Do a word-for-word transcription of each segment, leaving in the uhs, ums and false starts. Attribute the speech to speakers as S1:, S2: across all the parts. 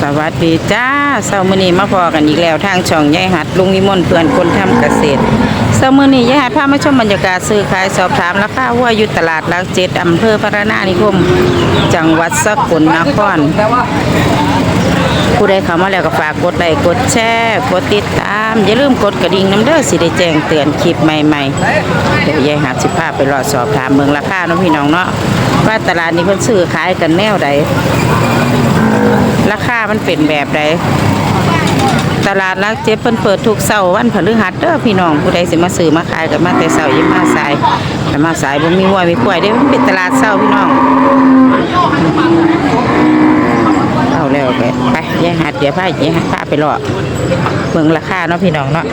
S1: วัสดีจ้าเช้ามื้อนี้มาพอกันอีกแล้วทางช่องยายหัดลุงวิมลเพื่อนคนทำเกษตรเช้ามื้อนี้ยายหัดพามาชมบรรยากาศซื้อขายสอบถามราคาวัวอยู่ตลาดหลักเจ็ดอำเภอพระนานิคมจังหวัดสกลนครผู้ใดเข้ามาแล้วก็ฝากกดไลค์กดแชร์กดติดตามอย่าลืมกดกระดิ่งน้ำเด้อสิได้แจ้งเตือนคลิปใหม่ๆเดี๋ยวยายหัดสิพาไปรอสอบถามเมืองราคาเนาะพี่น้องเนาะว่าตลาดนี้เพิ่นซื้อขายกันแนวใดราคามันเป็นแบบใดตลาดหลักเจ็ดเพิ่นเปิดทุกเสาร์วันพฤหัสเด้อพี่น้องผู้ใดสิมาซื้อมาขายกันมาแต่เสาร์ยิ่งมาสายแต่มาสายบ่มีวัวมีควายเด้มันเป็นตลาดเสาร์พี่น้องเอาแล้วไปไปยายหัดเดี๋ยวพายายหัดพาไปรอเบิ่งราคาเนาะพี่น้องเนาะ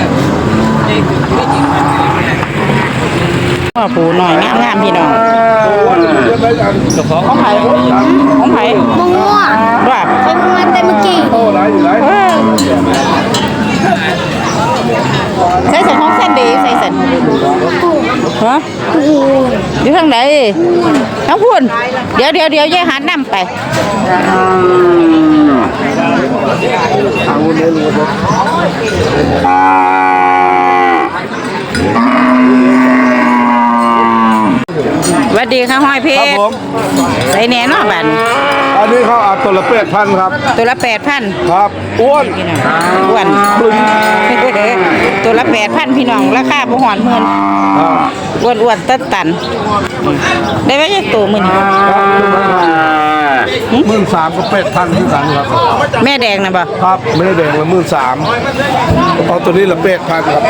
S1: พ่อปูหน่อยงามๆพี่น้องของไผ่ของไผ่
S2: มังม่วง
S1: ว่า
S2: เคยมาแต่เมื่อกี้
S1: ใส่สันของเส้นดีใส่สันฮะอยู่ทางไหนน้องพูนเดี๋ยวเดี๋ยวเดี๋ยวยายหันนำไปสวัสดีค่ะห้อยเพชรใส่แหน่นอบัน
S3: อันนี้เขาเอาตัวละแปดพันครับ
S1: ตัวละแปดพัน
S3: ครับอ้วน
S1: อ้วนตัวละแปดพันพี่น้องราคาบ่หอนหมื่นอ้วนอ้วนตันตันได้ไหมยังตัวหมื่น
S3: หมื่นสามก็แปดพันที่กันครับ
S1: แม่แดงนะบ่
S3: ครับแม่แดงละหมื่นสามเอาตัวนี้ละแปดพันครับ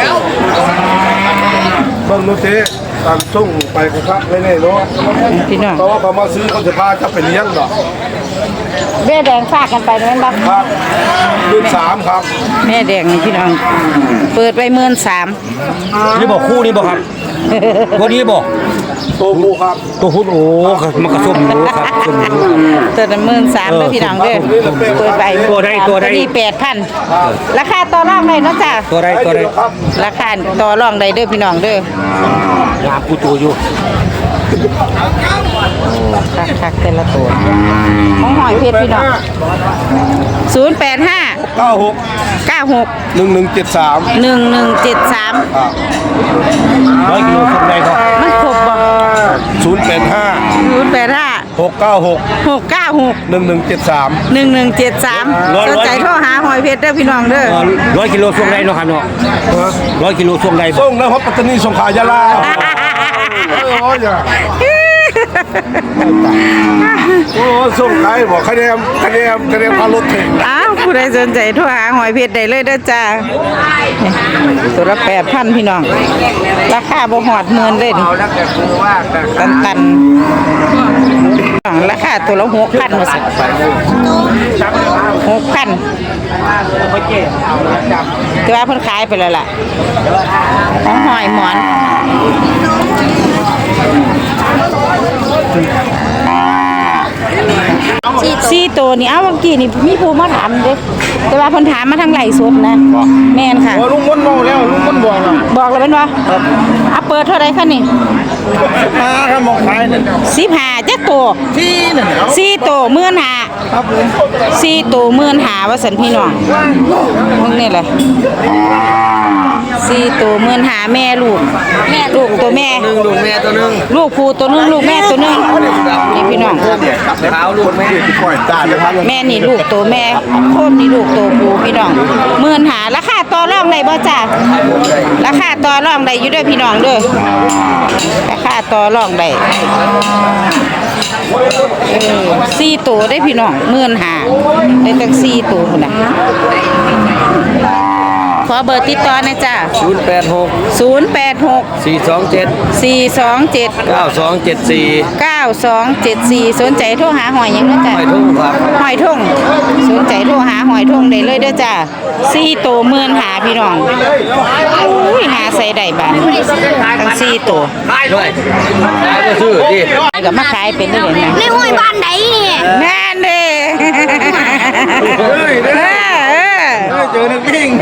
S3: เบิ้งนู้นเจ๊ตามส่งไปครับไม่แน่เนาะ
S1: พี่น้อง
S3: เพราะว่าเขามาซื้อเขาจะพาจะไปเลี้ยงดอก
S1: แม่แดงฝากกันไปนั่นบ้าง
S3: ครับหมื่นสามครับ
S1: แม่แดงนี่พี่น้องเปิดไปหมื่นสาม
S4: นี่บอกคู่นี่บอกครับตัวนี้บอก
S3: ตัวผู้ครับ
S4: ตัวผู้โอ้มันกระส้มอยู่ครับส้มอยู่
S1: ตัวละหมื่นสามเลยพี่น้องเด้อเปิดไป
S4: ตัวได้ตัวได้
S1: นี่แปดพันราคาต่อรองได้เนาะจ้ะ
S4: ตัวได้ตัวได้
S1: ราคาต่อรองได้เด้อพี่น้องเด้
S4: อยาปูตัวอยู่
S1: คักคักแต่ละตัวของหอยเพชรพี่น้องศูนย์แปดห้า
S3: เก้าหก
S1: เก้าหก
S3: หนึ่งหนึ่งเจ็ดสาม
S1: หนึ่งหนึ่งเจ็ดสาม
S4: ร้อยกิโลส่งได้ก็
S1: มันครบบ่
S3: ศูนย์แปดห้า
S1: ศูนย์แปดห้า
S3: หกเก้าหก
S1: หกเก้าหก
S3: หนึ่งหนึ่งเจ็ดสาม
S1: หนึ่งหนึ่งเจ็ดสามสนใจโทรหาหอยเพชรเด้อพี่น้องเด้อ
S4: ร้อยกิโลส่งได้เนาะครับเนาะร้อยกิโลส่งได้
S3: ส่งแล้วครับปัตตานีส่งขายาลาโอ้ยโอ้ส่งขายบอกคะแนนคะแนนคะแนนพารถถึง
S1: อ้าวผู้ใดสนใจโทรหาหอยเพชรได้เลยเด้อจ้าตัวละแปดพันพี่น้องราคาบ่หอดหมื่นเลยตันตันราคาตัวละหกพันมาสิหกพันแต่ว่าเพิ่นขายไปแล้วล่ะของหอยหมอนสี่ตัวนี่เอาเมื่อกี้นี่มีผู้มาถามเด้แต่ว่าเพิ่นถามมาทางไหลสดนะแม่นค่ะ
S3: ลุงมนเมาแล้วลุงมนบอกแล้ว
S1: บอกแล้วเป็นว่าเอาเปิดเท่าไรคะนี่
S3: ห้าครับมองขายนั่น
S1: สิบห้าจักตัว
S3: สี่นั่น
S1: สี่ตัวหมื่นห้า
S3: ครับผม
S1: สี่ตัวหมื่นห้าว่าสันพี่น้องมึงนี่แหละสี่ตัวหมื่นห้าแม่ลูกแม่ลูกตัวแม่
S3: หนึ่งลูกแม่ตัวหนึ่ง
S1: ลูกผู้ตัวนึงลูกแม่ตัวนึงนี่พี่น้อง
S3: เท้าลูกแม่ปล่อยตาเลยครับ
S1: แม่นี่ลูกตัวแม่โคตรนี่ลูกตัวผู้พี่น้องหมื่นห้าราคาต่อรองได้บ่จ้าราคาต่อรองได้อยู่ด้วยพี่น้องเด้อราคาต่อรองได้สี่ตัวได้พี่น้องหมื่นห้าได้ตั้งสี่ตัวคนน่ะขอเบอร์ติดต่อนะจ้า
S4: ศูนย์แปดหก
S1: ศูนย์แปดหก
S4: สี่สองเจ็ด
S1: สี่สองเจ็ด
S4: เก้าสองเจ็ดสี่
S1: เก้าสองเจ็ดสี่สนใจโทรหาหอยยังนะจ้า
S4: หอยทุ่งครับ
S1: หอยทุ่งสนใจโทรหาหอยทุ่งได้เลยเด้อจ้าสี่ตัวหมื่นหาพี่น้องอุ้ยหาใส่ได้บ้านทั้งสี่ตัว
S4: ขายด้วยขายก็ซื้อดิ
S1: กับมาขายเป็นได้เลยนะ
S2: ในห้วยบ้านไหนเนี่ย
S1: แม่นเด้
S3: เจอหนึ่งปิ้ง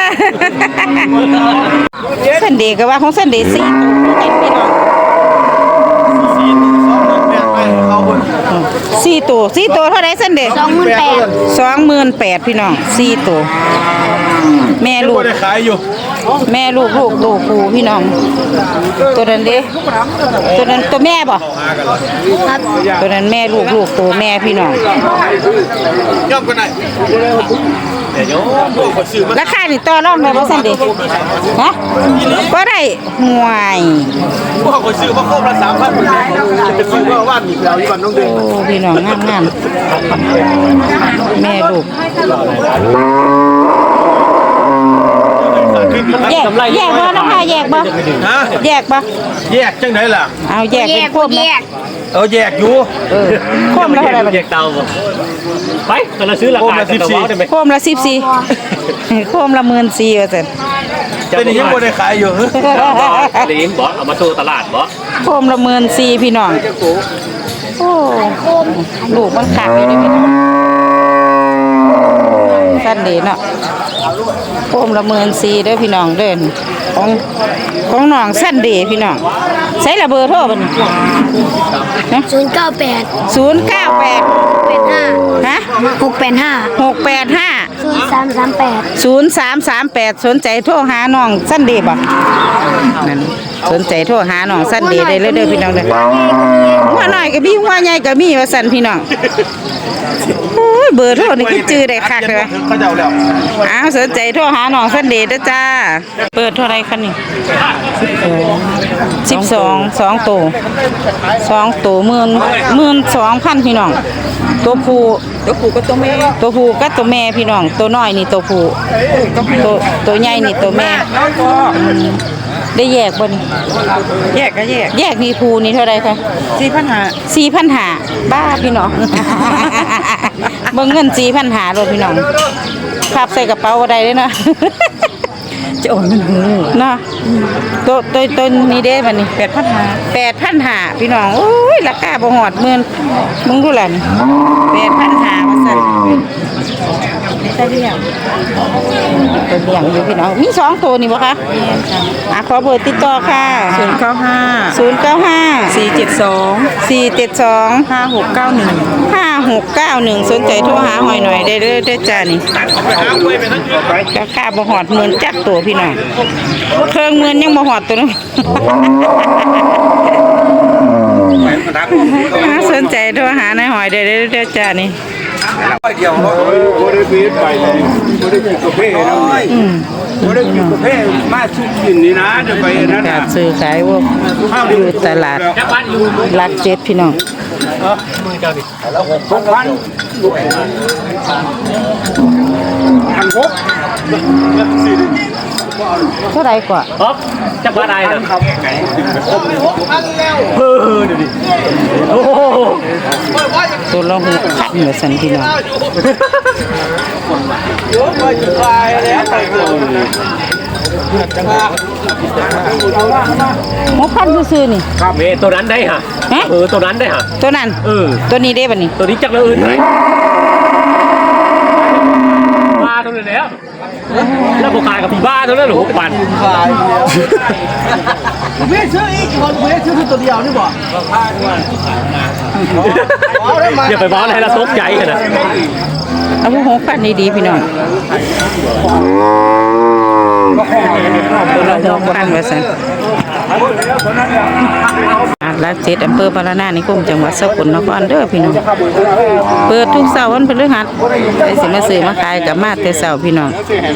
S1: สันเดย์ก็ว่าของสันเดย์สี่ตัวพี่น้องสี่ตัวสี่ตัวเท่าไรเส้นเด็ก
S2: สองหมื่นแปด
S1: สองหมื่นแปดพี่น้องสี่ตัวแม่ลูก
S3: ได้ขายอยู่
S1: แม่ลูกลูกตัวผู้พี่น้อง ตัวนั้นเด้ตัวนั้นตัวแม่บ่
S2: ครับ
S1: ตัวนั้นแม่ลูกลูกตัวแม่พี่น้อง
S3: ย่อมกันไหนเดี๋ยวโยมซื้อมา
S1: ราคานี่ต่อรองได้บ่ซั่นเด้ฮะบ่ได้ห่วย
S3: พวกคนซื้อมาครบละสามพันจะไปซื้อว่าว่านอีกแล้วที่บ้านน้องเดือน
S1: โอ้พี่น้องงามงามแม่ลูกแยกแยกบ่ราคาแยกบ่
S3: ฮะ
S1: แยกบ่
S3: แยกจังไหนล่ะ
S1: เอาแยก
S2: แย
S1: เป็น
S2: ก
S1: โค
S2: บ่
S1: ม
S2: แย
S1: นะ
S2: ก
S3: เออแยกอยู่
S1: เออโคมละเท่าไหร่บัด
S4: แย
S1: นี้
S4: กเตาบ่ไปตอนเราซื้อราคากันตัวได้ไหม
S1: โคมละสิบสี่โคมละหมื่นสี่ว่าซั่น
S3: แต่นี่ยังไม่ได้ขายอยู่
S4: เลี้ยงบอสเอามาสู้ตลาดบอส
S1: โคมละหมื่นสี่พี่น้องโอ้ลูกมันขาดอยู่นี่พี่น้องสั้นดีเนาะโคมละหมื่นสี่เด้อพี่น้องเดินของของน้องสั้นดีพี่น้องใช้ระเบอร์โทรบัดนี้
S2: ศูนย์เก้าแปด
S1: ศูนย์เก้าแปด
S2: แปดห้า
S1: ฮะ
S2: หกแปดห้า
S1: หกแปดห้า
S2: ศูนย์สามสามแปด
S1: ศูนย์สามสามแปดสนใจโทรหาน้องสั้นดีบ่นั่นสนใจโทรหาน้องสั้นดีได้เลยเด้อพี่น้องเด้อหัวน้อยก็มีหัวใหญ่ก็มีว่าสั้นพี่น้องโอ้ยเบอร์โทรนี่คือจื้อได้คักเลยว่ะ
S3: เขาจะเอาแล้ว
S1: อ้าวสนใจโทรหาน้องสั้นดีเด้อจ้าเปิดเท่าไรคะนี่สิบสองสองตัวสองตัวหมื่นหมื่นสองพันพี่น้องตัวผู้ตัวผู้ก็ตัวแม่ตัวผู้ก็ตัวแม่พี่น้องตัวน้อยนี่ตัวผู้ตัวตัวใหญ่นี่ตัวแม่อืมได้แยกบ่นี่แยกก็แยกแยกนี่ผู้นี่เท่าไรคะสี่พันห้าสี่พันห้าบ้าพี่น้อง เบิ่งเงินสี่พันห้ารถพี่น้องขับใส่กระเป๋าก็ได้เลยเนาะ จะโอนมันหูเนาะตัวตัวตัวนี้เด้บัดนี้แปดพันห้าแปดพันห้าพี่น้องโอ้ยราคาบ่ฮอดหมื่นมึงดูล่ะนี่แปดพันห้าว่าซั่นได้เรียงตัวเลี้ยงอยู่พี่น้องมีสองตัวนี่บ่คะอ่ะขอเบอร์ติดต่อค่ะศูนย์เก้าห้าศูนย์เก้าห้าสี่เจ็ดสองสี่เจ็ดสองห้าหกเก้าหนึ่งห้าหกเก้าหนึ่งสนใจโทรหาหอยหน่อยได้เด้อเด้อจ้านี่ราคาบ่ฮอดหมื่นจักตัวพี่น้องเครื่องหมื่นยังบ่ฮอดตัวนึง น่าสนใจโทรหานายหอยได้เด้อเด้อจ้านี่
S3: เดียวโอ้ได้ปีไปเลยโอ้ได้กินกาแฟนะโอ้ได้กินกาแฟมาชุบกินนี่นะจะไปนั่น
S1: กา
S3: น่ะ
S1: รซื้อขายพวกอยู่ตลาดหลักเจ็ดพี่น้อง
S3: สองพันพันหก
S1: เท่าไรกว่า
S4: อ๊อฟจับว่าได้นะครับเออเดี๋ยวดิโอ้โห
S1: ตัวละหกพันเหมือนสันพี่น้อง
S3: เยอะไปจุดไปแล้วไปเลย
S1: หกพันซื้อๆนี่
S4: ครับเมตัวนั้นได้ฮะ
S1: ฮะ
S4: เออตัวนั้นได้ฮะ
S1: ตัวนั้น
S4: เออ
S1: ตัวนี้ได้บัดนี้
S4: ตัวนี้จักรเลยไหนบ้าตัวนี้แล้วแล้วบอกขายกับพี่บ้าตัวนั้นหรือหกพัน
S3: เพื่อนซื้ออีกคนเพื่อนซื้อตัวเดียวนี่บ่
S4: อย่าไปบ้าให้เราตกใจกันนะ
S1: เอาพวกหกพันดีๆพี่น้องตัวละหกพันว่าสันอ่ะหลักเจ็ดอำเภอพารานานิคมจังหวัดสกลนครเด้อพี่น้องเปิดทุกเสาร์วันพฤหัสไปสิมาซื้อมาขายกับมาแต่เสาร์พี่น้อง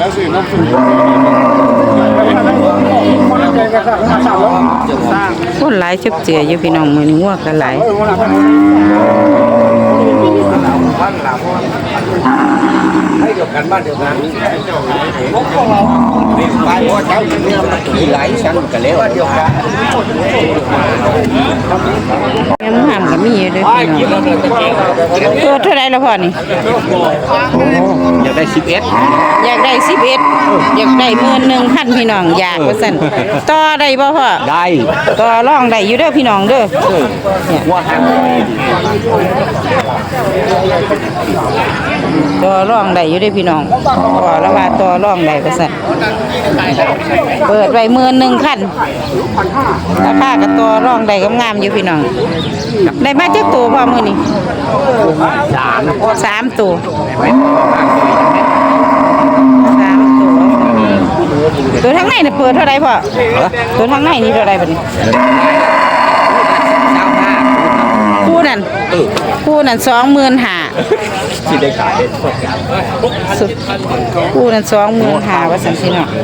S1: คนหลายชุบเจืออยู่พี่น้องมือนี้งัวกันหลายให้เดียวกันบ้านเดียวกันไปพอเช้าเนี่ยมันขี่ไหลสั่งกันแล้วเดียวกันยังห้ามก็มีอยู่ด้วยพี่น้องตัวเท่าไรแล้วพ่อนี่
S4: อยากได้สิบเอ็ด
S1: อยากได้สิบเอ็ดอยากได้หมื่นหนึ่งพันพี่น้องอยากว่าสั่นต่อได้บ่พ่อ
S4: ได้
S1: ต่อรองได้อยู่เด้อพี่น้องเด้อเนี่ย
S4: ว่าทาง
S1: ตัวร่องได้อยู่ได้พี่น้องว่าแล้วว่าตัวร่องได้ก็สั่นเปิดไว้หมื่นหนึ่งคันราคากับตัวร่องได้ก็งามอยู่พี่น้องได้มาจักตัวพอมื้อนี้สามสามตัวสามตัวตัวทั้งในน่ะเปิดเท่าไรพ่อตัวทั้งในนี่เท่าไรบัดนี้คู่นั่นคู่นั่นสองหมื่นห้าสิได้ขายสุดคู่นั่นสองหมื่นห้าว่าสันสิเนาะ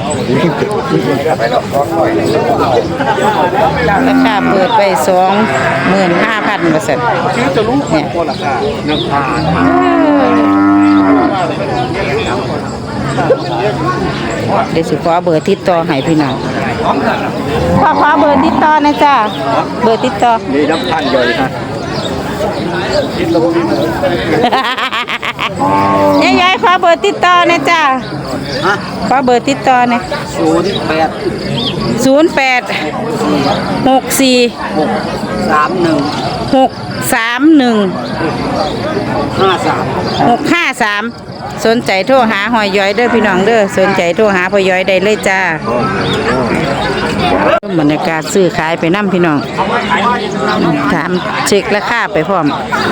S1: ราคาเปิดไปสองหมื่นห้าพันว่าสันเนี่ยเดี๋ยวสิขอเบอร์ติดต่อให้พี่น้องขอขอเบอร์ติดต่อนะจ๊ะเบอร์ติดต่อนี่น้ำพันย่อยค่ะยายยายขอเบอร์ติดต่อนะจ๊ะขอเบอร์ติดต่อนะศูนย์แปดศูนย์แปดหกสี่หกสามหนึ่งหกสามหนึ่งห้าสามหกห้าสามสนใจโทรหาหอยย้อยเด้อพี่น้องเด้อสนใจโทรหาพ่อย้อยได้เลยจ้าบรรยากาศซื้อขายไปน้ำพี่น้องถามเช็คราคาไปพร้อม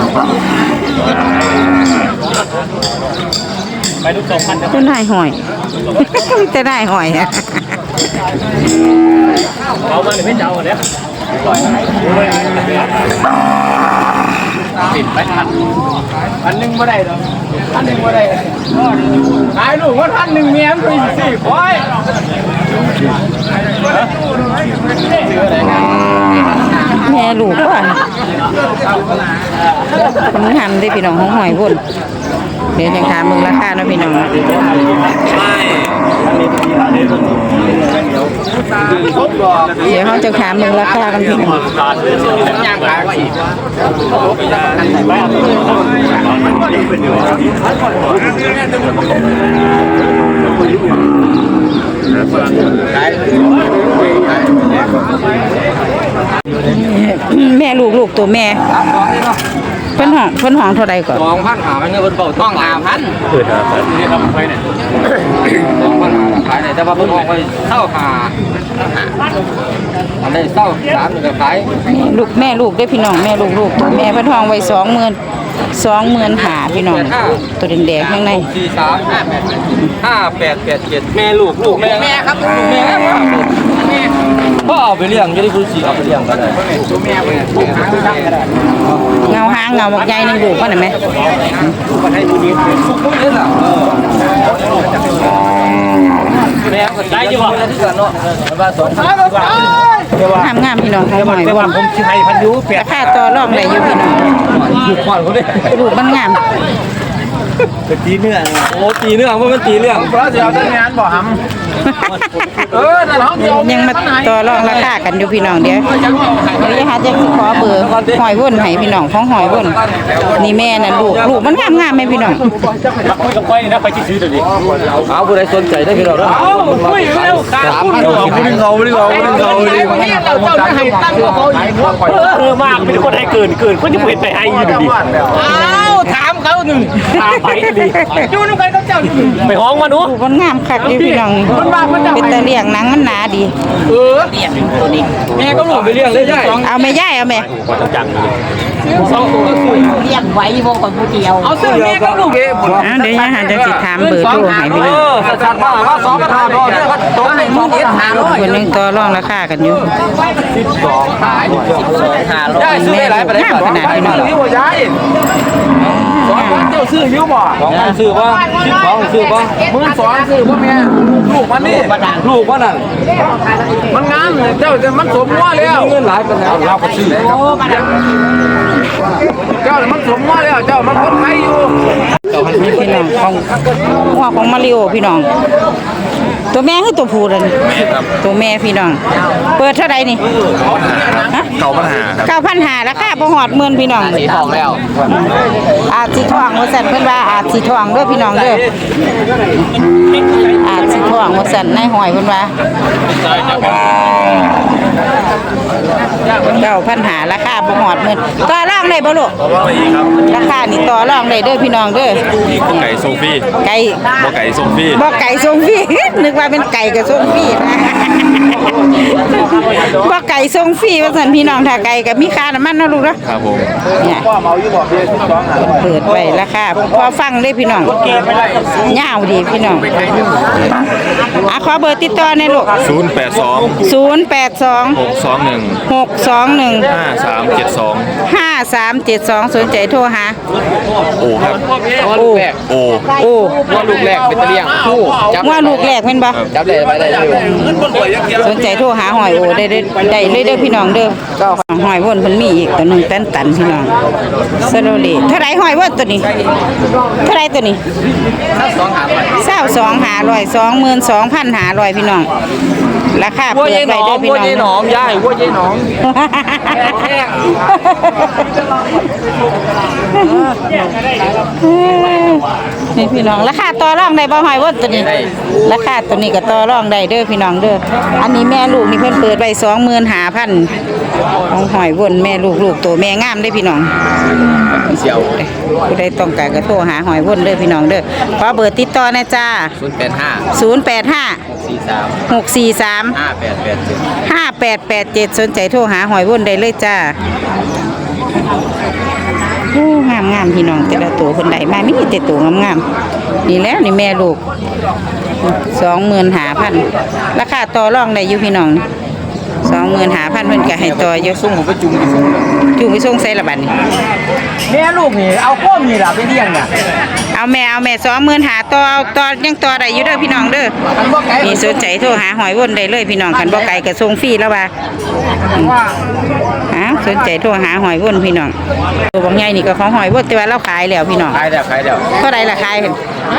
S4: ไปดูสองพัน
S1: ก็ได้หอยมีแต่ได้หอยอะ
S4: เอามาเลยไม่เจ้าเนี่ยปิดไปทันอันหนึ่งไม่ได้หรออันหนึ่งไม่ได้ขายลูกว่าท่านหนึ่งเมียมันเป็นสี่คอย
S1: แม่ลูกก่อนคนหันได้พี่น้องของหอยพุ่นเดี๋ยวยังถามมึงราคาเนาะพี่น้องเดี๋ยวเขาจะถามมึงราคากันพี่น้องแม่ลูกลูกตัวแม่เพิ่นห้องเพิ่นห้องเท่าใดก่อน
S5: สองพันหามันเงินบนเบาท้องหาพัน
S4: เปิดครับนี่ทำไปเนี่ย
S5: สองพันหาขายเนี่ยแต่ว่าเพิ่งออกไปเศร้าหาอันนี้เศร้าสามหนึ่งก็ขาย
S1: ลูกแม่ลูกได้พี่น้องแม่ลูกลูกตัวแม่เพิ่นห้องไว้สองหมื่นสองหมื่นหาพี่น้องตัวแดงๆข้างใน
S5: สี่สามห้าแปดห้าแปดแปดเจ็ดแม่ลูกลูกแม่แม่ครับแม่ครับพ่อเอาไปเลี้ยงจะได้คุณสีเอาไปเลี้ยงก็ได้ตัวแม่ไป
S1: เงาหางเงาหมกใหญ่นึงลูกมันเห็นไหม
S5: แม่ก็ได้ยี่ห้อที่เกิดเนาะว่าสอง
S1: งามงามพี่น้องเขาหน่อยว่า
S4: ผมที่ไทยพันยูเปียก
S1: ราคาต่อรองได้อยู่พี่น้อง
S5: ลูกก่อนเขาดิ
S1: ลูกมันงาม
S5: ตีเนื้อโอ้ตีเนื้อว่ามันตีเรื่องเพราะเดี๋ยวจะงานบ่หำเออแต่เรา
S1: ยังมาต่อรองราคากันอยู่พี่น้องเดี๋ยวเดี๋ยวหาจะขอเบอร์หอยวุ่นให้พี่น้องของหอยวุ่นนี่แม่น่ะลูกลูกมันงามงามไหมพี่น้อง
S4: คุยกับไปนะไปที่ซื้อเดี๋ยวนี้
S5: เอาผู้ใดสนใจได้พี่เราเนาะ
S4: คุยเร็วขาดคุณเรา
S5: ไม่ได้เงาไม่ได้เงาไม่ได้เงาเลย
S4: เราเจ้าจะให้ตั้งว่าเขาเออมากเป็นคนให้เกินเกินคนที่เห็นไปให้อยู่ดีอ้าวถามเขาหนึ่งถามไปดีดูนุ่งไปเขาเจ้าไปห้องมาดู
S1: มันงามคักดิพี่น้องเป็นตะเลียงหนังมันหนาดี
S5: เออเลียงตัวนี้แม่ก็หลุดไปเลี้ยงเลยใช่
S1: เอาแม่ย่ายเอาแม่
S4: จัง
S2: เรียกไว้วงกับผู้เดียว
S5: เอาเสื้อแม่ก็ลูกเอ๋
S1: เดี๋ยวยังหาจะติดถามเบอร์โทรให้พี่น้อง
S5: สัตว์มาว่าสองกระถางก็เนี่ยก็ตกในมือเอ็ดหาร้อย
S1: คนนึงต่อรองราคากันอยู่
S5: สิบสองขายสิบสองหาร้อยได้ซื้อได้หลายประเด็นขนาดพี่น้องซื้อบ่ย้ายสองพันเจ้าซื้อยิ้วบ่สองพันซื้อบ่สิบสองซื้อบ่หมื่นสองซื้อบ่แม่ลูกมันนี่ลูกมันนั่นมันงามเจ้ามันสมว่าแล้วเงินหลายเป็นแล้วเราก็ซื้อเจ้ามันสมว่าแล้วเจ้ามันคนไทยอยู่
S1: พี่น้องของหัวของมาริโอพี่น้องตัวแม่คือตัวผู้เลยตัวแม่พี่น้อง เปิดเท่าไหร่นี่ฮะ
S5: เก่าปัญหา
S1: เก้าพันหาราคาบ่หอดหมื่นพี่น้อง
S5: สีทองแล้ว
S1: อาจสิทองว่าซั่นเพิ่นว่าอาจสิทองเด้อพี่น้องเด้ออาจสิทองว่าซั่นนายหอยเพิ่นว่าเก้าพันหาราคาบ่หอดหมื่นต่อรองได้บ่ลูกราคานี่ต่อรองได้เด้อพี่น้องเด้อ
S5: ไก่โซฟี่
S1: ไก่
S5: บ่ไก่โซฟี่
S1: บ่ไก่ทรงฟรี นึกว่าเป็นไก่กับทรงฟรีนะบ่ไก่ทรงฟรีว่าซั่นพี่น้องถ้าไก่ก็มีค่าน้ำมันเนาะลูกเนาะ
S5: ครับผม
S1: เนี่ยเปิดไว้ราคาพอฟังเลยพี่น้องยาวดีพี่น้องอ่ะขอเบอร์ติดต่อหน่อยลูก
S5: ศูนย์แปดสอง
S1: ศูนย์แปดสอง
S5: หกสองหนึ่ง
S1: หกสองหนึ่ง
S5: ห้าสามเจ็ดสอง
S1: ห้าสามเจ็ดสองสนใจโทรหา
S5: โอครับ
S1: โอ้
S5: โอ
S1: โอ้
S5: ว่าลูกแรกเป็นตะเลียงคู่จับ
S1: ว่าลูกแรกเป็นบ่
S5: จับได้ไปได้เลย
S1: สนใจโทรหาหอยโอได้ได้ได้เลยเด้อพี่น้องเด้อก็หอยวนเพิ่นมีอีกตัวหนึงตันตันพี่น้องสโลเลเท่าไหร่หอยวนตัวนี้เท่าไหร่ตัวนี้เศร้าสองหาร้อยสองหมื่นสองพันหาร้อยพี่น้องราคาเปิดไว้เด้อพี่น้อง
S5: วัวยายหนอมยายวัวยายหนอม
S1: นี่พี่น้องราคาต่อรองได้บ่หอยวนตัวนี้ราคาตัวนี้ก็ต่อรองได้เด้อพี่น้องเด้ออันนี้แม่ลูกนี่เพิ่นเปิดไว้สองหมื่นห้าพันของหอยวนแม่ลูกลูกตัวแม่งามเด้อพี่น้อง
S5: เสี่ยว
S1: ผู้ใดต้องการก็โทรหาหอยวนเด้อพี่น้องเด้อขอเบอร์ติดต่อนะจ้า
S5: ศูนย์แปดห้า
S1: ศูนย์แปดห้า
S5: สี่สาม
S1: หกสี่สาม
S5: ห้าแปดแปดเจ็ด
S1: ห้าแปดแปดเจ็ดสนใจโทรหาหอยวนได้เลยจ้าโอ้งามงามพี่น้องแต่ละตัวคนใดมามีแต่ตัวงามงามๆนี่แหล้วนี่แม่ลูกสองหมื่นหาพันราคาต่อรองได้อยู่พี่น้องสองหมื่นหาพันเพิ่นก็ให้ต่ออยู่
S5: ส่งผมไปจุ่มดิ
S1: จูงไปส่งใส่ละบัดนี้
S2: แม่ลูกนี่เอาข้อมีล่ะไปเลี้ยงน่ะ
S1: เอาแม่เอาแม่สองหมื่นหาต่อเอาต่อยังต่อได้อยู่เด้อพี่น้องเด้อ
S2: มันบ่ไกล
S1: มีสนใจโทรหาหอยวนได้เลยพี่น้องคันบ่ไกลก็ส่งฟรีแล้วว่าอ้าวสนใจโทรหาหอยวนพี่น้องตัวบางใหญ่นี่ก็ของหอยวนแต่ว่าเราขายแล้วพี่น้อง
S5: ขายแล้วขายแล้ว
S1: เท่าไหร่ล่ะขายเห็น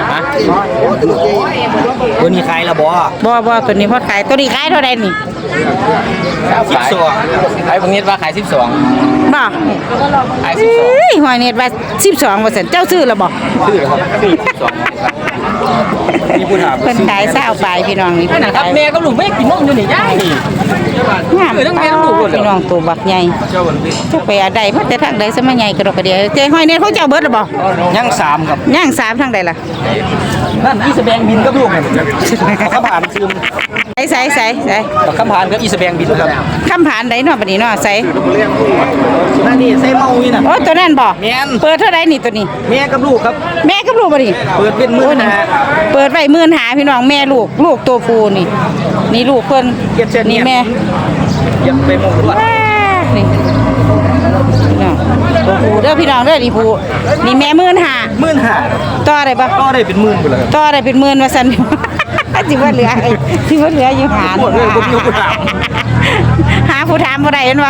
S2: ตัวนี้ใครละบ่
S1: บ่บ่ตัวนี้พอขายตัวนี้ขายเท่าไหร่นี่
S5: สิบสองขายบางนิดว่าขายสิบสอง
S1: บ่
S5: ขายสิบสอง
S1: เอ้ยหอยเน็ตว่าสิบสองว่าซั่นเจ้าซื้อแล้วบ่
S5: ชื่อครับชื่อสิบสองมีผู้ถาม
S1: เพิ่นขายเศร้าปลายพี่น้องนี่
S2: นั่นน่ะครับแม่กับลูกแม่กินนมอยู่นี่ยายนี่
S1: งามพี่น้องตัวบักใหญ่จะไปอะไรมาแต่ทางใดซะมาใหญ่กระดกกระเดียวเจ้หอยเน็ตเขาเจ้าเบิดแล้วบ่
S2: ยังสามครับ
S1: ย่างสามทางใดล่ะ
S2: นั่นอีสแบงบินกับลูกนี่ข้ามผ่านซึม
S1: ใส่ใส่ใส่ใส่
S2: ข้ามผ่านกับอีสแบงบินครับ
S1: คำผ่านใดเนาะบัดนี้เนาะใส่
S2: นั่นนี่ใส่เมาอีน่ะ
S1: โอ้ตัวนั้นบ่
S2: แม่น
S1: เปิดเท่าใดนี่ตัวนี้
S2: แม่กับลูกครับ
S1: แม่กับลูกบ่นี่
S2: เปิดเป็นมื้อนะ
S1: เปิดไว้หมื่นหาพี่น้องแม่ลูกลูกตัวผู้นี่ นี่ลูกเพิ่น
S2: เก็บเส้นเนี่
S1: นี่
S2: ย
S1: แม่
S2: ยังไปมองด้วย
S1: ว้านี่พี่น้องตัวผู้เด้อพี่น้องเด้อนี่ผู้นี่แม่หมื่นหา
S2: หมื่นห้า
S1: ต่อได้บ่
S2: ก็ได้เป็นหมื่นไปเลยครับ
S1: ต่อได้เป็นหมื่นว่าซั่น สิว่าเหลือสิว่าเหลืออยู่หา
S2: หมดเลยบ่มีผู้ถาม
S1: หาผู้ถามบ่ได้เห็นบ่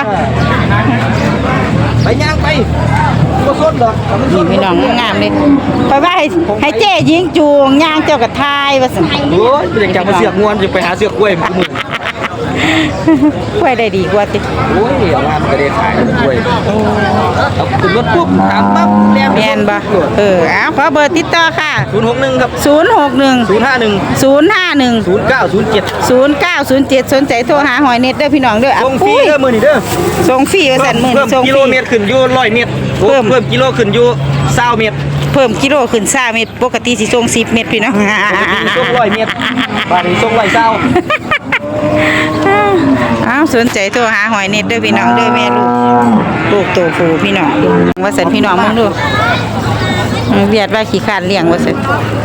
S2: ไปย่างไปก็สดดอกแต่มันส
S1: นี่
S2: ด
S1: พี่น้องงามเลยไปว่าให้ให้เจ๊ยิงจูงย่างเจ้ากับทายว่าซั่น
S2: โอ้ยอยากจะมาเสือกงวนจะไปหาเสือกกล้วยมันมือ
S1: ช่วยได้ดีกว่าติ
S2: โอ้ยเอางานก็ได้ขายกล้วยเอาขึ้นรถปุ๊บถามปั๊บแล่น
S1: แม่นบ่เออเอาขอเบอร์ติดต่อค่ะ
S2: ศูนย์หกหนึ่งครับ
S1: ศูนย์หกหนึ่ง
S2: ศูนย์ห้าหนึ่ง
S1: ศูนย์ห้าหนึ่ง
S2: ศูนย์เก้าศูนย์เจ็ด
S1: ศูนย์เก้าศูนย์เจ็ดสนใจโทรหาหอยเน็ตเด้อพี่น้องเด้อ
S2: ส่งฟรีเด้อมื้อนี้เด้อ
S1: ส่งฟรีว่าซั่นมื้อ
S2: เพิ่
S1: นี้
S2: ม
S1: ส่ง
S2: กิ
S1: ฟ
S2: โล
S1: รี
S2: เมตรขึ้นอยู่ร้อยเมตร
S1: เพิ่ม
S2: เพิ่มกิโลขึ้นอยู่เศร้าเมตร
S1: เพิ่มกิโลขึ้นสามเม็ดปกติสิส่งสิบเม็ดพี่น้อง
S2: ส่งร้อยเมตรบาทนี้ส่งร้อยเศร้า
S1: อ้าวสนใจโทรหาหอยเน็ตเด้อพี่น้องเด้อแม่ลูกลูกโตผู้พี่น้องว่าซั่นพี่น้องมึงดูเวียดว่าขี้คร้านเลี้ยงว่าซั่น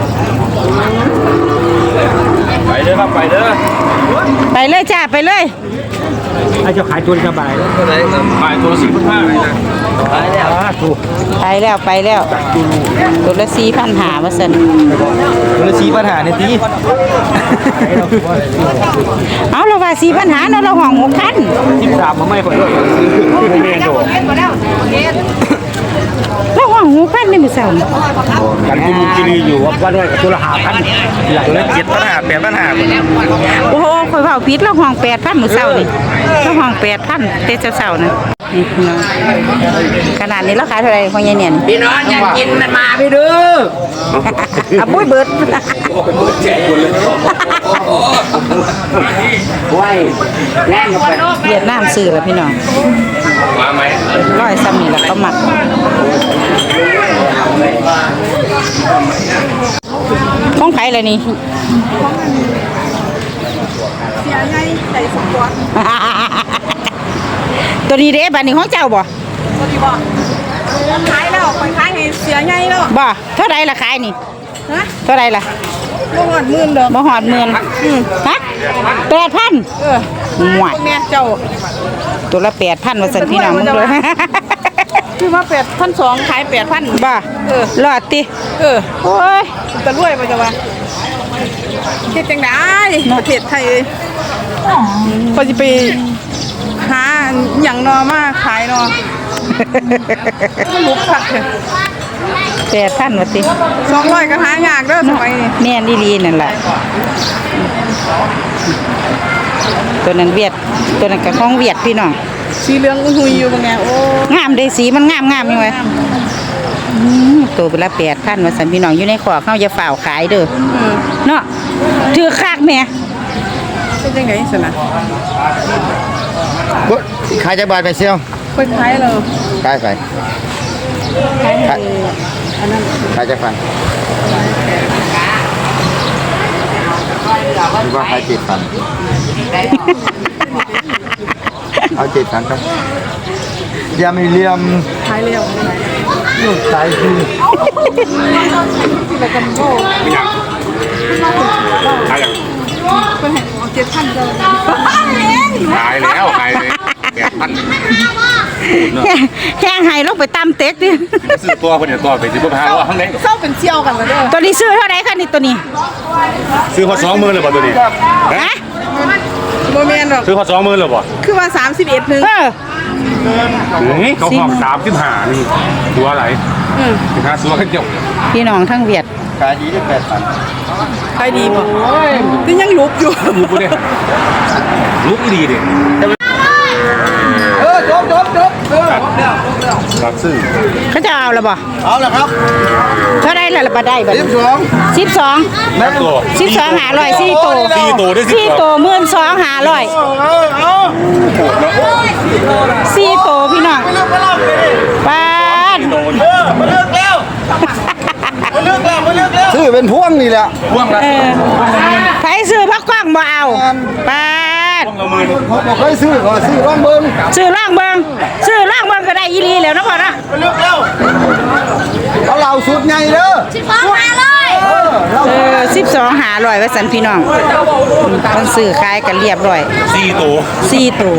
S5: ไปเด้อครับไปเด้อ
S1: ไปเลยจ้าไปเลย
S2: อาจจะขายตัวสบายแล้ว
S5: ขายตัวสี่พันห้าเลยนะ
S2: ขายแล้วถูก
S1: ไปแล้วไปแล้วตัวละสี่พันหาว่าซั่น
S2: ตัวละสี่ปัญหาในที
S1: เอาเราว่าสี่พันหาเนาะเราห้องหกพัน
S2: สิบสามมาไม่ค่อยด้วย
S1: เราห้องหูพันในมือเสาร์
S2: กันกุมกิรีอยู่ว่าด้วยกับตัวละห้าพันตัวละเจ็ดพันห้าแปดพันห้า
S1: โอ้โหคอยเผาพิษแล้วห้องแปดพันมือเสาร์นี่แล้วห้องแปดพันเตะเสาร์นะนี่พี่น้องขนาดนี้ราคาเท่าไหร่ของยายเนี่ย
S5: พี่น้องอยากกินมันมาพี่ดื้อ
S1: อ่ะปุ้ยเบิด
S5: ไว้แน่นไป
S1: เวียดนามซื้อแล้วพี่น้องร้อยซ้ำนี่แหละเขาหมักของไผ่เลยนี่
S6: เสียใหญ่ใจสมบูรณ์
S1: ตัวนี้เด้บัดนี้ของเจ้าบ่
S6: ตัวนี้บอกขายแล้วไปขายให้เสียใหญ่แล้ว
S1: บ่เท่าไรล่ะขายนี่
S6: ฮะ
S1: เท่าไรล่ะ
S6: บ่หอดหมื่นเด้อ
S1: บ่หอดหมื่นอืมฮะแปดพัน
S6: เออ
S1: หวาย
S6: พวกเนี้ยเจ้า
S1: ตัวละแปดพันว่าสันพี่น้องมึงเลย
S6: คือว่าแปดพันสองขายแปดพัน
S1: บ่
S6: เออ
S1: รอดติ
S6: เออ
S1: โอ้ย
S6: จะรวยไปจะวะเฮ็ดจังไดประเทศไทยก็สิไปหาหยังนอมาขายนอมันลุกคักเถอะ
S1: แปดพันว่าติ
S6: สองร้อยก็หายากเด้อสมัยนี้
S1: แม่นอีหลีนั่นแหละตัวนั้นเวียดตัวนั้นก็ของเวียดพี่น้อง
S6: สีเหลืองอุ้ยหุยอยู่บางแนโอ้
S1: งามเด้สีมันงามงามอยู่เว้ยอืมตัวเป็นละแปดพันว่าสันพี่น้องอยู่ในขอเขาจะฝ่าวขายเด้อ
S6: อืม
S1: เนาะถือคากแม่
S6: เป็นจังได๋ซั่นน่ะ
S5: ขายจะบาทไปเซียว
S6: ไปขายแล้ว
S5: ขายไปขายขายจะฟันหรือว่าขายเจ็ดพันเอาเจ็ดพันครับยามีเลียม
S6: ขายแล้ว
S5: ลูกชายคือ
S6: แล้วก็โอ้
S3: ขายอย่าง
S6: เพิ่นให้เอาเจ็ดพันเด้อ
S3: ขายแล้วขายเลยแปดพัน
S1: แห้งไห้ลงไปตามเต็กดิ
S3: ซื้อตัวคนเดียวตัวไปซื้อพวกพาว่าข้างใน
S6: เศร้าเป็นเชี่ยวกันแล้วเด้อ
S1: ตัวนี้ซื้อเท่าไหร่คะนี่ตัวนี้
S3: ซื้อพอสองหมื่นเลยป่ะตัวนี้
S1: ฮะ
S6: บ่แม่นหรอก
S3: ซื้อพอสองหมื่นเลยป่ะ
S6: คือว่าสามสิบเอ็ดนึง
S1: เออ
S3: นี่เขาห้องสามสิบห้านี่ตัวอะไร
S6: อืม
S3: สิบห้าตัวขึ้นเกี่ยว
S1: พี่น้องทั้งเวียด
S5: ขายดีได้แปดพัน
S6: ขายดีบ่นี่ยังลุกอยู่
S3: ลูกกูเนี่ยลูกดีดิ
S5: เออจบจบจบเออ
S3: รับซื้อ
S1: เขาจะเอาละบ่
S5: เอาละครับ
S1: เท่าไหร่ละละบ่ได้บ่
S5: สิบสอง
S1: สิบสอง
S3: แม่ตัว
S1: สิบสองหาร้อยสี่ตัว
S3: สี่ตัวได้สิบ
S1: สี่
S3: สอง
S1: ตัวหมื่นสองหาร้อย
S5: เอาเอา
S1: สี่ตัวพี่น้องป้าด
S5: มาเลือกแล้วมาเลือกแล้วมาเลือกแล้วซื้อเป็นพวงนี่แหละ
S3: พ่วงละ
S1: เออใครซื้อพักกว้างบ่เอาป้าด
S3: พ่วงละหมื่น
S5: ผมบอกเคยซื้อก็ซื้อร่องเบิ้ง
S1: ซื้อล่างเบิงซื้อล่างเบิงก็ได้อีหลีแล้วนะพ่อนะ
S5: มาเลือกแล้วเอาเหล่าสุดไงเด้อ
S6: สิบสองหาร้อย
S5: เออเรา
S1: เออสิบสองหาร้อยว่าสันพี่น้องมันซื้อขายกันเรียบร้อย
S3: สี่ตัว
S1: สี่ตัว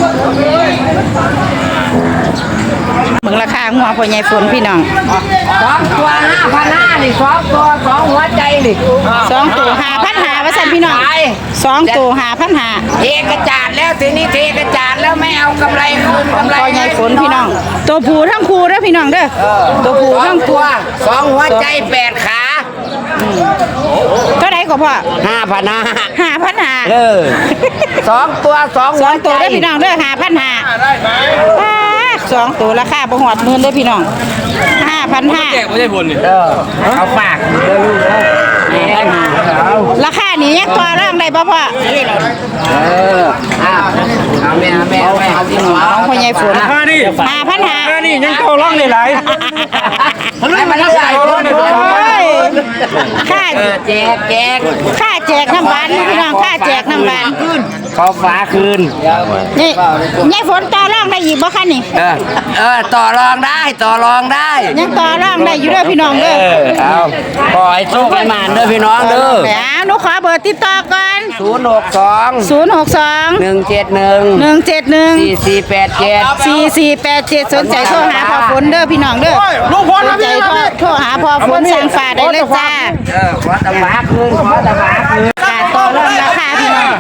S1: เมืองราคาหัวพ่อใหญ่ฝนพี่น้อง
S5: สองตัวห้าพันห้านี่สองตัวสองหัวใจนี่
S1: สองตัวหาพันหาว่าสันพี่น้องสองตัวหาพันหา
S5: เทกระจาดแล้วทีนี้เทกระจาดแล้วไม่เอากำไรคืนกำไร
S1: พ่อใหญ่ฝนพี่น้อง ตัวผูทั้งคูเด้อพี่น้องเด้อตัวผู
S5: สอ
S1: ทั้
S5: ง
S1: ง
S5: ตั
S1: ตัว ว
S5: สองหัวใจแปดขา
S1: เท่าไหร่ก็พ่อ
S5: ห้าพันห้า
S1: หาพันหา
S5: เออสองตัวสอง
S1: ส
S5: หั
S1: อ
S5: ว
S1: ง
S5: ใจ
S1: ตัวเด้อพี่น้องเด้อหาพันหาสองตัวราคาบ่หอดหมื่นเด้อพี่น้องห้าพันห้า
S4: ไม่ใช่ผลนี่
S5: เออเอาฝากเด้อลูกเด้อเอา
S1: ราคานี้ยังต่อรองได้บ่พ่อ
S5: เออเอาเอาแม่เอาแม่เอาแม่เอาที่หัว
S1: ของพ่อใหญ่ฝน
S4: มาดิ
S1: หาพันหา
S4: นี่ยังเข้าร่องได้หลาย
S5: ให้มันรักษาคน
S1: โอ้ยค่า
S5: เออแจกแจก
S1: ค่าแจกน้ำบานพี่น้องค่าแจกน้ำบาน
S4: ขอฟ้าคืน
S1: นี่ยายฝนต่อรองได้อีกบ่คะนี่
S5: เออเออต่อรองได้ต่อรองได้
S1: ยังต่อรองได้อยู่เด้อพี่น้องเด้อ
S5: เอาขอให้โชคให้หมานเด้อพี่น้องเด้อ
S1: แหมหนูขอเบอร์ติดต่อก่อน
S5: ศูนย์หกสอง
S1: ศูนย์ หก สอง
S5: หนึ่งเจ็ดหนึ่ง
S1: หนึ่ง เจ็ด หนึ่ง
S5: สี่สี่แปดเจ็ด
S1: สี่ สี่ แปด เจ็ดสนใจโทรหาพ่อฝนเด้อพี่น้องเด้อสนใจโทรโทรหาพ่อฝนสั่งฝาได้เลยจ้า
S5: เออขอตะบาคืนขอตะบาคืน
S1: การต่อรองราคาพี่น้อง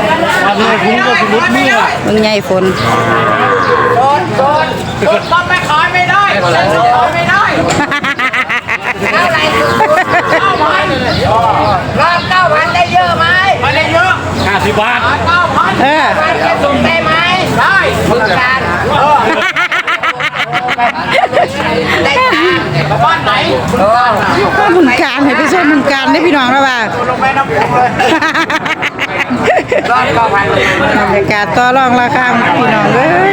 S1: มึงใหญ่ฝน
S5: โดนโดนโดนไม่ขายไม่ได้โดนไม่ได้
S4: สิบบาท
S1: เออ
S5: ส่งได้ไหมได้เมืองการได้ค่ะบ้านไหน
S1: มึงการให้ไปช่วยมึงการได้พี่น้องแล้วว่า
S3: ลงไปน้ำพุเลย
S5: ร้อยเก้าพันเลย
S1: บรรยากาศต่อรองราคาพี่น้องเอ้ย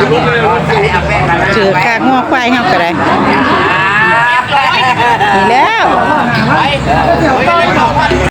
S1: ถือค่างอกควายเฮาก็ได้นี่แล้ว